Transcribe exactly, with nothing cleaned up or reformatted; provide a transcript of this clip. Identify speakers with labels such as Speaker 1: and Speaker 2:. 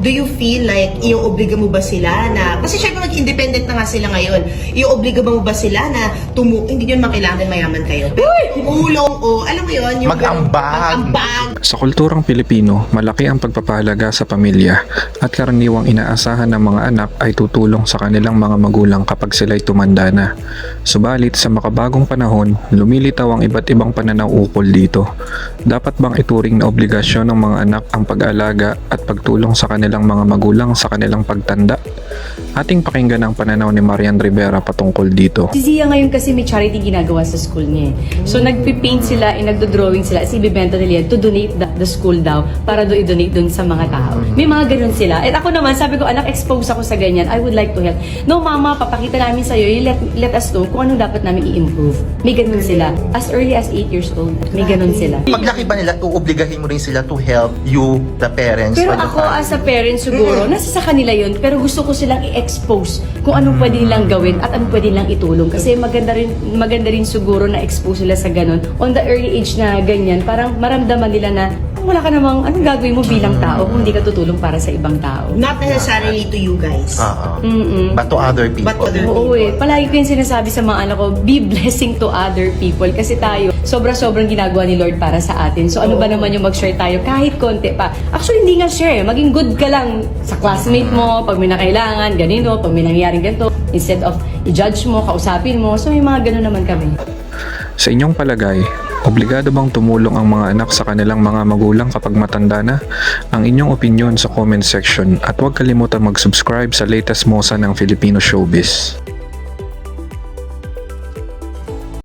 Speaker 1: do you feel like ioobliga mo ba sila na, kasi syempre mag-independent na nga sila ngayon, ioobliga mo ba sila na tumu, hindi nyo makailangan mayaman kayo, pero tumulong o alam mo yun, yung
Speaker 2: Mag-ambag.
Speaker 1: mag-ambag.
Speaker 3: Sa kulturang Pilipino, malaki ang pagpapahalaga sa pamilya at karaniwang inaasahan ng mga anak ay tutulong sa kanilang mga magulang kapag sila'y tumanda na. Subalit sa makabagong panahon, lumilitaw ang iba't ibang pananaw ukol dito. Dapat bang ituring na obligasyon ng mga anak ang pag-alaga at pagtulong sa kanilang mga magulang sa kanilang pagtanda? Ating pakinggan ang pananaw ni Marian Rivera patungkol dito.
Speaker 4: Si Zia ngayon kasi may charity ginagawa sa school niya. So nagpipaint sila, eh, nagdo-drawing sila, as ibibenta nila yan to donate the, the school daw para do i-donate dun sa mga tao. May mga ganun sila. At ako naman, sabi ko, anak, expose ako sa ganyan. I would like to help. No, mama, papakita namin sa'yo, you let, let us know kung anong dapat namin i-improve. May ganun sila. As early as eight years old, may ganun sila.
Speaker 2: Paglaki ba nila, uobligahin mo rin sila to help you, the parents?
Speaker 4: Pero
Speaker 2: or the
Speaker 4: ako
Speaker 2: family?
Speaker 4: as a parent siguro, nasa sa kanila yun, pero gusto ko silang i-expose kung anong pwede nilang gawin at anong pwede nilang itulong. Kasi maganda rin, maganda rin siguro na expose sila sa ganun. On the early age na ganyan, parang maramdaman nila na wala ka namang anong gagawin mo bilang tao kung hindi ka tutulong para sa ibang tao.
Speaker 1: Not necessarily to you guys.
Speaker 2: Oo.
Speaker 4: Mm-mm.
Speaker 2: But to other people.
Speaker 1: But to other
Speaker 4: Oo eh. Palagi ko yung sinasabi sa mga anak ko, be blessing to other people. Kasi tayo, sobra-sobrang ginagawa ni Lord para sa atin. So ano ba naman yung mag-share tayo kahit konti pa. Actually, hindi nga share. Maging good ka lang sa classmate mo, pag may nakailangan, ganito, pag may nangyayaring ganito. Instead of i-judge mo, kausapin mo. So may mga ganun naman kami.
Speaker 3: Sa inyong palagay, obligado bang tumulong ang mga anak sa kanilang mga magulang kapag matanda na? Ang inyong opinion sa comment section at huwag kalimutan mag-subscribe sa latest mosa ng Filipino Showbiz.